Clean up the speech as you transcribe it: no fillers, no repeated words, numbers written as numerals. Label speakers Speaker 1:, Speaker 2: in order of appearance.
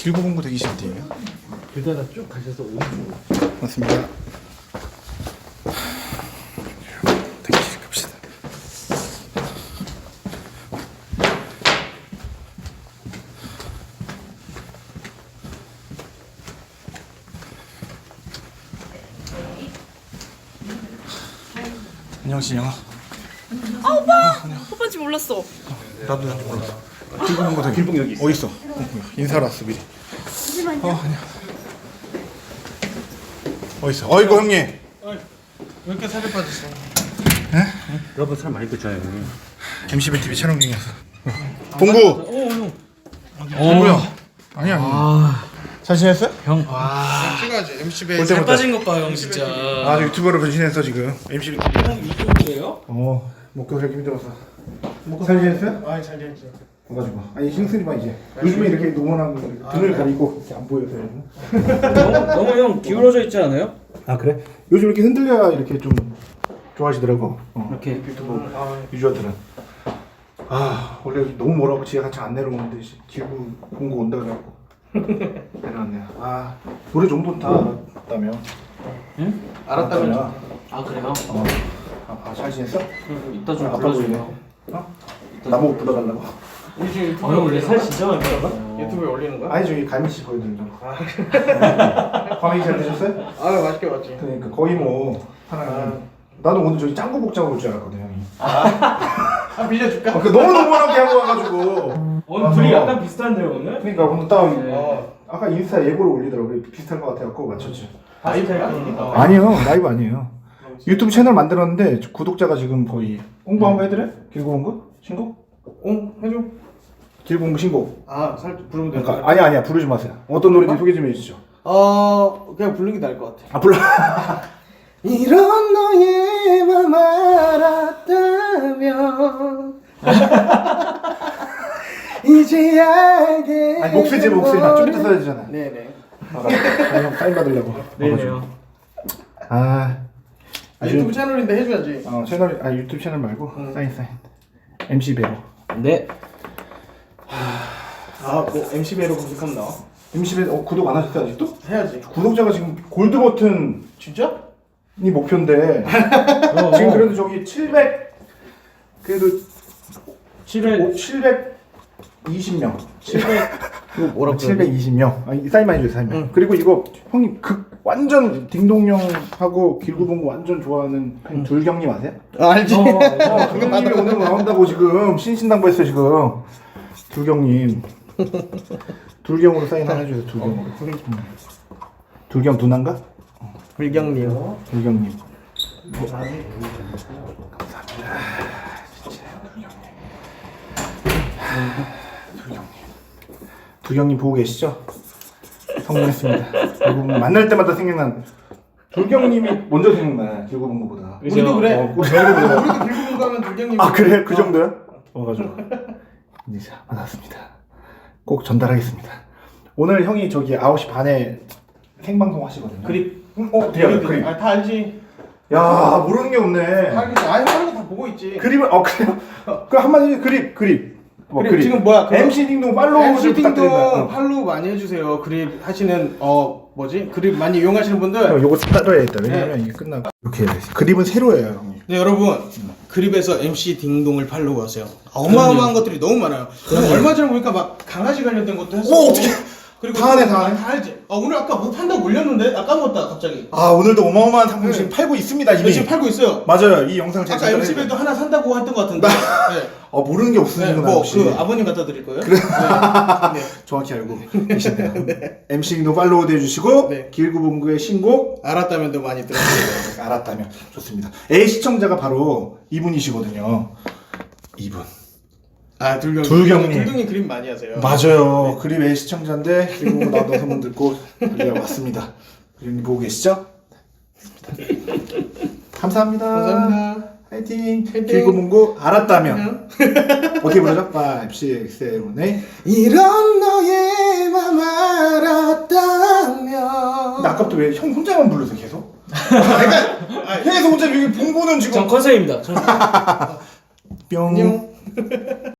Speaker 1: 길고봉고 대기실이에요.
Speaker 2: 길다가 쭉 가셔서 오른쪽으로.
Speaker 1: 맞습니다. 대기실 갑시다. 안녕 신영아.
Speaker 3: 아 오빠! 오빠인지 몰랐어.
Speaker 1: 나도 난지 몰랐어. 길고봉고 대기.
Speaker 2: 길봉 여기 있어.
Speaker 1: 어디 있어? 인사하러 왔어 미리. 안녕. 어디 있어? 어이구 형님.
Speaker 4: 왜 이렇게 살이 빠졌어?
Speaker 2: 여러분 살 많이 뺐잖아요 형님.
Speaker 1: MCB TV 촬영 중이었어. 봉구.
Speaker 4: 형.
Speaker 1: 봉구야. 아니야. 잘 지냈어?
Speaker 2: 형.
Speaker 4: 찍어야지. MC배
Speaker 1: 볼
Speaker 4: 살
Speaker 1: 때부터.
Speaker 4: 빠진 것 봐, 형 진짜.
Speaker 1: 아 유튜버로 변신했어 지금. MCB TV.
Speaker 4: 형 이쪽이에요?
Speaker 1: 먹고 살기 힘들었어. 잘 지냈어요?
Speaker 4: 아니 잘 지냈지.
Speaker 1: 가지고 아니 싱스리만 이제 요즘에 이렇게 노멀한 등을 가리고 이렇게 안 보여서
Speaker 2: 너무 형 기울어져 있지 않아요?
Speaker 1: 아 그래? 요즘 이렇게 흔들려야 이렇게 좀 좋아하시더라고.
Speaker 2: 이렇게
Speaker 1: 유튜브 유저들은. 아 원래 너무 뭐라고 지가 같이 안 내려오는데 길고 공고 온다 그래갖고 내려왔네요. 아 노래 정도는 다 알았다며.
Speaker 2: 응?
Speaker 4: 알았다면.
Speaker 2: 아 그래요?
Speaker 1: 잘 지냈어?
Speaker 2: 이따 좀
Speaker 1: 아빠
Speaker 2: 불러주세요.
Speaker 1: 어? 나보고 불러달라고.
Speaker 4: 우리 지금 유튜브에
Speaker 2: 형 원래
Speaker 4: 올리는
Speaker 2: 살
Speaker 4: 거야?
Speaker 2: 진짜 많이 뺐나?
Speaker 4: 유튜브에 올리는 거야?
Speaker 1: 아니 저기 갈미씨 보여드리려고. 과메기 잘 드셨어요?
Speaker 4: 아 맛있게 봤지.
Speaker 1: 그러니까 거의 뭐 하나. 나도 오늘 저기 짱구 복장으로 올 줄 알았거든 형이.
Speaker 4: 아 빌려줄까?
Speaker 1: 너무 너무하게 하고 와가지고.
Speaker 2: 오늘 둘이 약간 비슷한데요 오늘?
Speaker 1: 그러니까 오늘 딱
Speaker 2: 네.
Speaker 1: 아까 인스타 예고를 올리더라고. 비슷할 것 같아갖고 맞췄지.
Speaker 4: 라이브야?
Speaker 1: 아니요 라이브 아니에요. 유튜브 채널 만들었는데 구독자가 지금 거의 홍보 한번 해드래? 길고 온 거? 신곡?
Speaker 4: 해줘.
Speaker 1: 길고 온 거 신곡.
Speaker 4: 아 살짝 부르면 되는
Speaker 1: 그러니까
Speaker 4: 거야?
Speaker 1: 아니야 부르지 마세요. 어떤 노래인지 소개 좀 해주시죠.
Speaker 4: 그냥 부르는 게 나을 것 같아.
Speaker 1: 아 불러. 이런 너의 맘 알았다면 이제 알게. 아니 목소리 좀 이따 써야 되잖아.
Speaker 4: 네네.
Speaker 1: 형 사인 받으려고.
Speaker 2: 네네요.
Speaker 4: 유튜브 채널인데 해줘야지.
Speaker 1: 채널 유튜브 채널 말고 사인 MC 배로.
Speaker 2: 네.
Speaker 4: 뭐 MC배로 검색하면 나와.
Speaker 1: MC 배 구독 안 하셨어요 아직도?
Speaker 4: 해야지.
Speaker 1: 구독자가 지금 골드 버튼이
Speaker 4: 진짜?
Speaker 1: 목표인데 지금 그래도 저기 700 그래도 720명 700
Speaker 4: 이거 뭐라고?
Speaker 1: 720명 이 사인만 해줘요 사인만. 그리고 이거 형님 완전 딩동형하고 길고봉고 완전 좋아하는 둘경님 아세요?
Speaker 4: 알지.
Speaker 1: 둘경님이 오늘 나온다고 지금 신신당부했어요 지금. 둘경님 둘경으로 사인 하나 해줘요. 둘경으로. 둘경 누난가?
Speaker 4: 불경님.
Speaker 1: 둘경님. 둘경님 보고 계시죠? 성공했습니다. 결국 만날 때마다 생각난 둘경님이 먼저 생각나. 길고봉고보다.
Speaker 4: 우리도 그래.
Speaker 1: 우리도
Speaker 4: 우리도 길고 가면 불경님.
Speaker 1: 아 그래? 그 정도야? 가지고 이제 받았습니다. 꼭 전달하겠습니다. 오늘 형이 저기 9시 반에 생방송 하시거든요.
Speaker 4: 그립.
Speaker 1: 돼요 그립.
Speaker 4: 다 알지.
Speaker 1: 야 모르는 게 없네.
Speaker 4: 알겠지. 하는 거 다 보고 있지.
Speaker 1: 그립을 그래요? 그 한마디 그립.
Speaker 4: 그립 지금 뭐야?
Speaker 1: MC 딩동 팔로우를
Speaker 4: MC
Speaker 1: 부탁드립니다.
Speaker 4: 딩동 팔로우 많이 해주세요. 그립 하시는 그립 많이 이용하시는 분들.
Speaker 1: 요거 따로 해야겠다. 왜냐면 이게 끝나고 이렇게 그립은 새로 해요 형님.
Speaker 4: 네 여러분 그립에서 MC 딩동을 팔로우하세요. 어마어마한 것들이 너무 많아요. 얼마 전에 보니까 막 강아지 관련된 것도 했어.
Speaker 1: 어떻게?
Speaker 4: 그리고
Speaker 1: 다 하네.
Speaker 4: 다 알지. 오늘 아까 뭐 판다고 올렸는데 나 까먹었다 갑자기.
Speaker 1: 오늘도 어마어마한 상품 지금 팔고 있습니다 이미.
Speaker 4: 지금 팔고 있어요.
Speaker 1: 맞아요. 이 영상 제가
Speaker 4: 아까 MC배도 하나 산다고 했던 것 같은데. 네.
Speaker 1: 모르는 게 없으시구나.
Speaker 4: 뭐
Speaker 1: 혹시.
Speaker 4: 그 아버님 갖다 드릴 거예요? 그래. 네.
Speaker 1: 정확히 알고 계신데요. MC 딩동 팔로우도 해주시고
Speaker 4: 네.
Speaker 1: 길고봉고의 신곡
Speaker 4: 알았다면도 많이 들었어요.
Speaker 1: 알았다면 좋습니다. A 시청자가 바로 이분이시거든요. 이분.
Speaker 4: 둘경님.
Speaker 1: 둘경님
Speaker 4: 그림 많이 하세요.
Speaker 1: 맞아요. 그립 A 시청자인데 그리고 나도 소문 듣고 달려왔습니다. 그림 보고 계시죠? 감사합니다.
Speaker 4: 감사합니다.
Speaker 1: 파이팅. 길고봉고 알았다면 어떻게 부르죠? 5, 6, 7, 8 이런 너의 맘 알았다면. 나 아까부터 왜 형 혼자만 불러서 계속? 계속 혼자 여기 봉고는 지금
Speaker 2: 전 컨셉입니다.
Speaker 1: 뿅.